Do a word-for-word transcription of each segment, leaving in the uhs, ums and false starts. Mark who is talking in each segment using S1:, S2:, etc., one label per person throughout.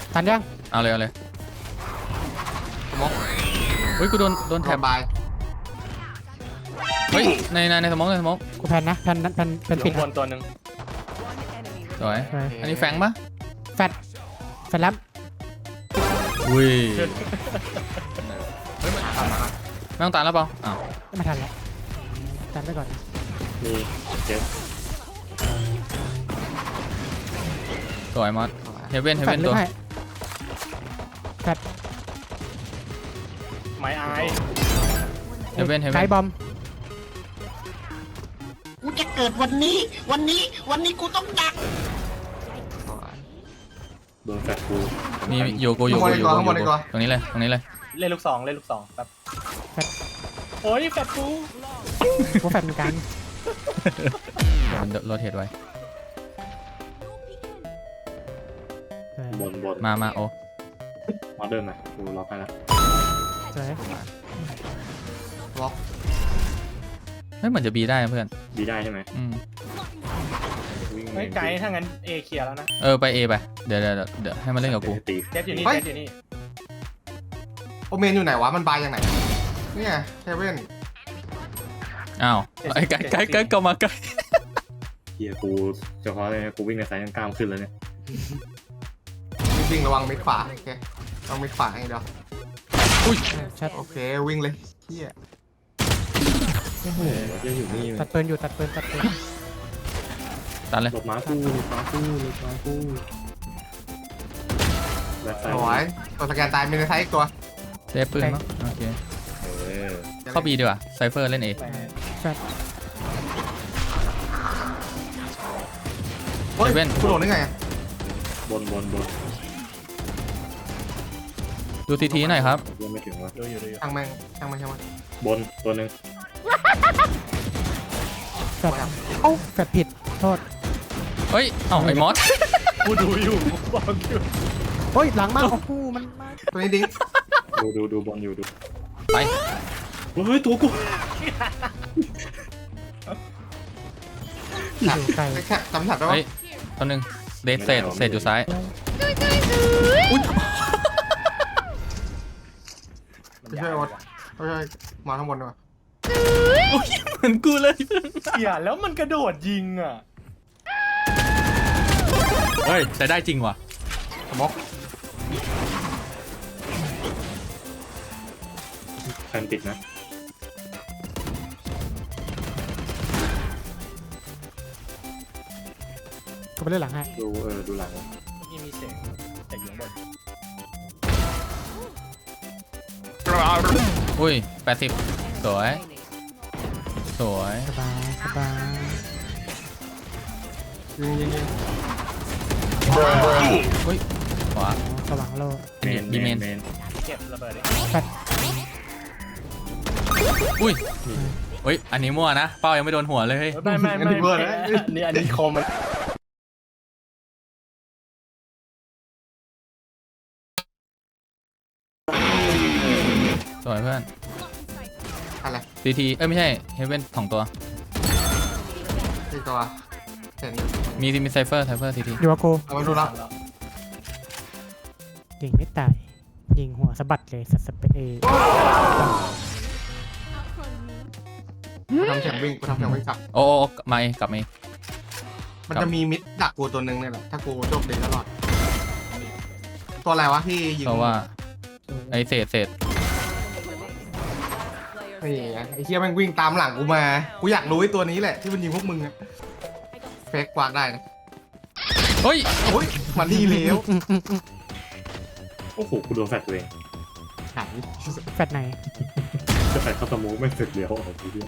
S1: ทันยัง
S2: เอาเลยเอาเลยสมองเฮ้ยกูโดนโดนแถบบายเฮ้ยในในในสมองในสมอง
S1: กูแพนนะแพนแพนแพนปิด
S3: บนตัวหนึ่ง
S2: สวยอันนี้แฟงปะ
S1: แฟดแฟดแล้ว
S2: อุ้ยไม่ต้องตามแล้วเปล่าอ้าว
S1: ไม่มาทันแล้วทันไปก่อน
S3: มีเจ็บ
S2: สวยมอสเฮเว่นเฮเว่นตัว
S1: แฟด
S3: ไม้อาย
S2: เฮเว่นเฮเว่น
S1: ไกบอม
S4: กูจะเกิดวันนี้วันนี้วันนี้กูต้องดัง
S3: โดนแฟลชกู
S2: มีโยโกโยโกโยโกตรงนี้เลยตรงนี้เลย
S3: เล่นลูกสองเล่นลูกสองแบบโอ้ยแฟลชกู
S1: กูแฟดเหมือนกัน
S2: มันโรเทตไว้
S3: บนบน
S2: มามาโอ้
S3: มาเดินหน่อยกูล็อกไปแล้ว
S1: สวย
S4: ล็อก
S2: เฮ้ยเหมือนจะบีได้เพื่อน
S3: บีได้ใช่ไหม
S2: อืม
S3: ไม่ไกลถ้างั้นเอเคลียร์แล้วนะ
S2: เออไปเอไปเดี๋ยวเดี๋ยวเดี๋ยวให้มันเล่นกับกู
S3: เจ็บอยู่นี่เจ็บอยู่นี่
S4: โอเมนอยู่ไหนวะมันบายยังไงนี่ไงเฮเว่น
S2: อ้าวไอ้ไก่ไก่ไก่ก็มาไก่
S3: เฮียกูเฉพาะเลยกูวิ่งในสายกล้ามขึ้นแล้วเนี่ย
S4: วิ่งระวังมิดขวาโอเคต้องมิดขวาให้เดี๋ยว
S2: อุ้ย
S1: ชัด
S4: โอเควิ่งเลยเฮีย
S3: ยังอยู่นี่
S1: ตัดปืนอยู่ตัดปืนตัดปืน
S2: ตัดเลย
S3: หลบม้าคู่หลบม้าคู่หลบม้าคู่
S4: สวยตัวสแกนตายมีในไซต์ตัว
S2: เซฟปืนมั้งโอเคเข้าบีดีกว่าไซเฟอร์เล่นเอ
S4: เฮ้ยเป็นกูโดนได้ไง
S3: บนบนบน
S2: ดูทีทีหน่อยครับ
S3: ยังไม่ถึงวะดูอยู่ดูอยู่
S4: ช่างแม่งช่างแม่งช่างแม่ง
S3: บนตัวหนึ่ง
S1: แฟดเอ้าแฟดผิดโทษ
S2: เฮ้ยเอ้าไอ้มอส
S3: กูดูอยู่บอกอยู่
S1: เฮ้ยหลังมากโอ้โหมัน
S4: ตัวนี้ดิ้ง
S3: ดูดูดูบอลอยู่ดู
S2: ไป
S3: เฮ้ยตัวกู
S1: ไกล
S4: แค่จำสัตว์ได้
S2: ไหมตัวหนึ่งเดทเศษเศษอยู่ซ้าย
S4: ไม่ใช่วอดไม่ใช่มาข้างบนดีกว่า
S2: เหมือนกูเลย
S3: เสียแล้วมันกระโดดยิงอ่ะ
S2: เฮ้ยแต่ได้จริงว่ะ
S4: ม็อก
S3: แฟนติดนะ
S1: ก็ไปเล่นหลังให้
S3: ดูเออดูหลังนี่มีเสียงแต่อยู่บน
S2: อุ้ยแปดสิบสวยสวย
S1: สบายสบาย
S4: ยิงยิงยิง
S2: อุ้ยขวา
S1: สว่างโล
S2: ดีเมน
S3: เก็บระเบิด
S1: แฟด
S2: อุ้ยอุ้ยอันนี้มั่วนะเป้ายังไม่โดนหัวเลย
S3: ไม่ไม่ไม่นี่อันนี้คมมัน
S2: สวยเพื่อน
S4: อะไร
S2: ซีทีเอ้ยไม่ใช่เฮเว่นสองตัว
S4: สี่ตัวเห็น
S2: มีมีไซเฟอร์ไซเฟอร์ซีที
S1: อยู่กับกู
S4: เอามาดูละ
S1: ยิงไม่ตายยิงหัวสะบัดเลยสัสเปเอ
S4: กูทำเสียงวิ่งกูทำเสียงวิ่งกลับ
S2: โอ้มาเอกลับมา
S4: มันจะมีมิดดักกูตัวหนึ่งเนี่ยแหละถ้ากูโจมตีตลอดตัวอะไรวะที่ยิง
S2: เพราะว่าไอเศษเศษ
S4: ไอ้ไอ้เหี้ยแม่งวิ่งตามหลังกูมากูอยากรู้ไอ้ตัวนี้แหละที่มันยิงพวกมึงอะเฟกกวาดได้นะ
S2: เฮ้ย
S4: โอ้ยมาดีเลี้ยว
S3: โอ้โหกูโดนแฟดตัวเอง
S1: แฟดไหน
S3: จะแฟดเข้าสมูไม่เสร็จเลี้ยวออกทีเดียว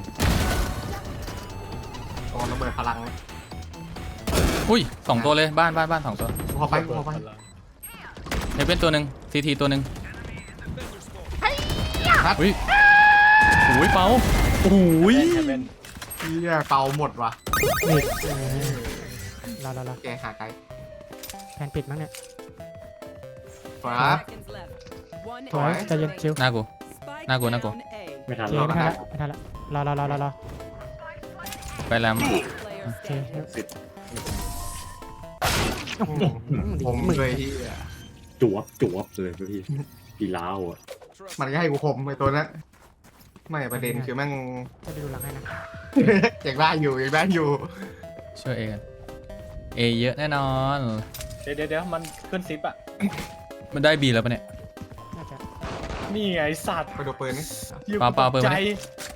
S4: โอ้ระเบิดพลัง
S2: อุ้ยสองตัวเลยบ้านบ้านบ้านสองตัว
S4: พอไปพอไป
S2: เฮเว่นตัวหนึ่งซีทีตัวหนึ่งอุ้ยโอ้ยเปาโอ้ย
S4: เฮียเปาหมดว่ะ
S1: นี่รอรอรอ
S4: แกหาไกล
S1: แผนปิดมั้งเนี่ย
S4: ครับ
S1: ถอยใจเย็นชิว
S2: หน้ากูหน้ากูหน้ากู
S3: ไม่ทัน
S1: แล้วไม่ทันแล้วไม่ทันแล้วรอรอรอรอรอ
S2: ไปแล้ว
S1: โอเค
S4: ผมเลยที่
S3: จวบจวบเลยพี่อีล้าวอ่ะ
S4: มันก็ให้กูคมไอ้ตัวนั้นไม่ประเด็นคือแม่ง
S1: จะไปดูหลังให้นะ
S4: ยังได้อยู่ยังได้อยู่
S2: ช่วยเอกันเอเยอะแน่นอน
S5: เดี๋ยวเดี๋ยวเดี๋ยวมันขึ้นซิปอ่ะ
S2: มันได้บีแล้วปะเนี่ย
S1: น่าจะ
S5: นี่ไงสัตว์
S4: ไปดูปืนนี่
S5: หี้ย
S2: เปล่าเปล่าเปิด
S5: ใจ
S2: มาดิ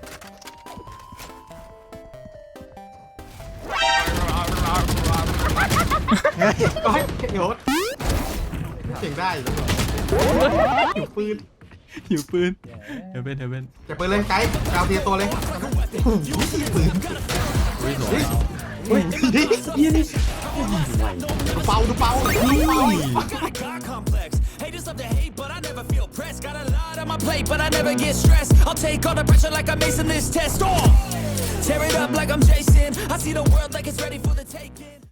S4: ก็ให้โยศเก่งได้อยู่อยู่ปืน
S2: อยู่ปืนเฮเบนเฮเบน
S4: จะปืนเลยไกด์เอาเทียตัวเลยปืน
S2: อุ้ยสวย
S4: เฮ้ย
S3: ไหว
S4: ดูเป่าดูเป่าดูเป่า
S6: God complex. Haters love to hate, but I never feel pressed. Got a lot on my plate, but I never get stressed. I'll take all the pressure like I'm acing this test. Oh, tear it up like I'm Jason. I see the world like it's ready for the taking.